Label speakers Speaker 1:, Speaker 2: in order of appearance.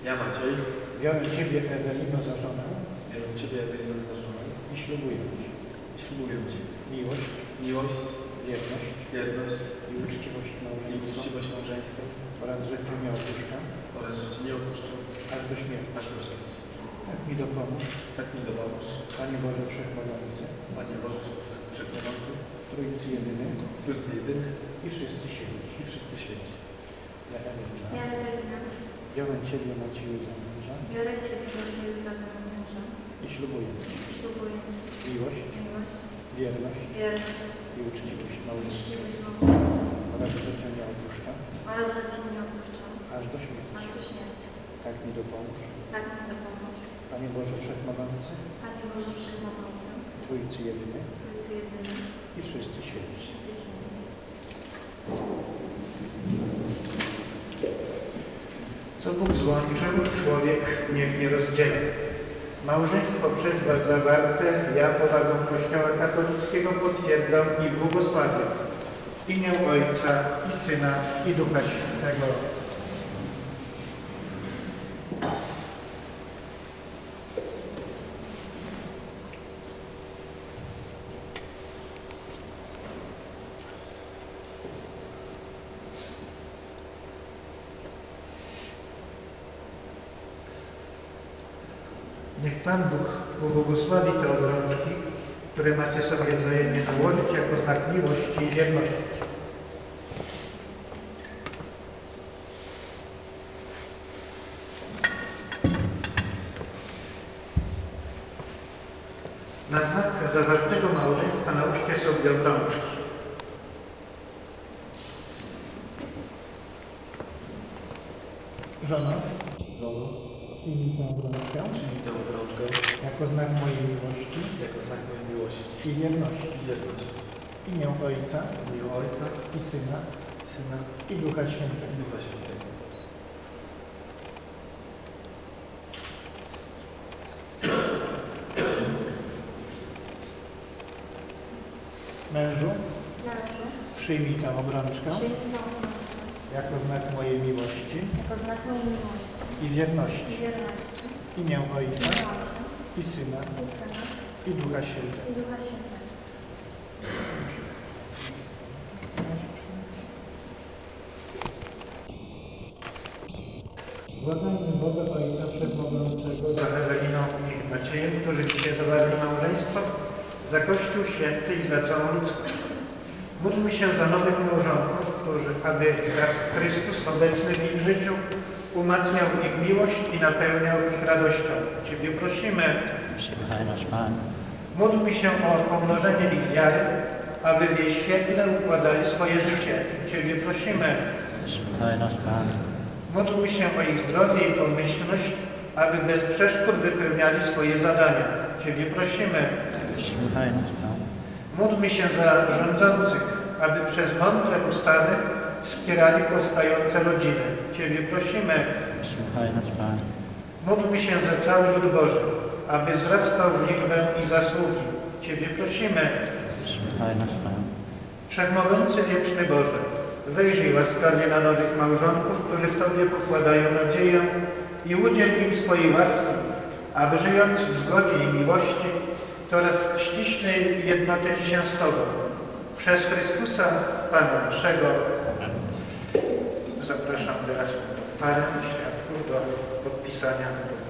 Speaker 1: Ja, Maciej,
Speaker 2: biorę Ciebie, Ewelino, za żonę
Speaker 1: biorę Ciebie, Ewelino, za żonę
Speaker 2: i ślubuję Ci
Speaker 1: miłość, wierność
Speaker 2: i uczciwość
Speaker 1: małżeńską
Speaker 2: oraz, że Cię nie opuszczam,
Speaker 1: aż do śmierci.
Speaker 2: Tak mi dopomóż, Panie Boże Wszechmogący, w Trójcy Jedyny i wszyscy święci. Ja, Ewelina, biorę Ciebie, Macieju, za męża i ślubuję Ci miłość, wierność i uczciwość małżeńską oraz, że Cię nie opuszczam, aż do śmierci. Tak mi dopomóż, Panie Boże Wszechmogący, w Trójcy Jedyny i wszyscy święci. Co Bóg złączył, człowiek niech nie rozdziela. Małżeństwo przez Was zawarte, ja powagą Kościoła katolickiego potwierdzam i błogosławię. W imię Ojca i Syna i Ducha Świętego. Niech Pan Bóg pobłogosławi te obrączki, które macie sobie wzajemnie nałożyć jako znak miłości i wierności. Na znak zawartego małżeństwa nałóżcie sobie obrączki. Żono, przyjmij tę obrączkę jako znak mojej miłości i wierności. W imię Ojca i Syna i Ducha Świętego. Mężu, przyjmij tę obrączkę jako znak mojej miłości i wierności. W imię Ojca i Syna i Ducha Świętego. Błagajmy Boga Ojca Wszechmogącego za Eweliną i Maciejem, którzy dzisiaj zawarli małżeństwo, za Kościół Święty i za całą ludzkość. Módlmy się za nowych małżonków, którzy, aby Chrystus obecny w ich życiu umacniał ich miłość i napełniał ich radością. Ciebie prosimy.
Speaker 3: Słuchaj nas, Pan.
Speaker 2: Módlmy się o pomnożenie ich wiary, aby w jej świetle układali swoje życie. Ciebie prosimy.
Speaker 3: Słuchaj nas, Pan.
Speaker 2: Módlmy się o ich zdrowie i pomyślność, aby bez przeszkód wypełniali swoje zadania. Ciebie prosimy.
Speaker 3: Słuchaj nas, Pan.
Speaker 2: Módlmy się za rządzących, aby przez mądre ustawy wspierali powstające rodziny. Ciebie prosimy.
Speaker 3: Słuchaj nas, Pan.
Speaker 2: Módlmy się za cały lud Boży, aby wzrastał w liczbę i zasługi. Ciebie prosimy.
Speaker 3: Słuchaj nas, Pan.
Speaker 2: Wszechmogący wieczny Boże, wejrzyj łaskawie na nowych małżonków, którzy w Tobie pokładają nadzieję i udziel im swojej łaski, aby żyjąc w zgodzie i miłości, coraz ściślej jednoczyli się z Tobą. Przez Chrystusa, Pana naszego. Zapraszam teraz parę świadków do podpisania.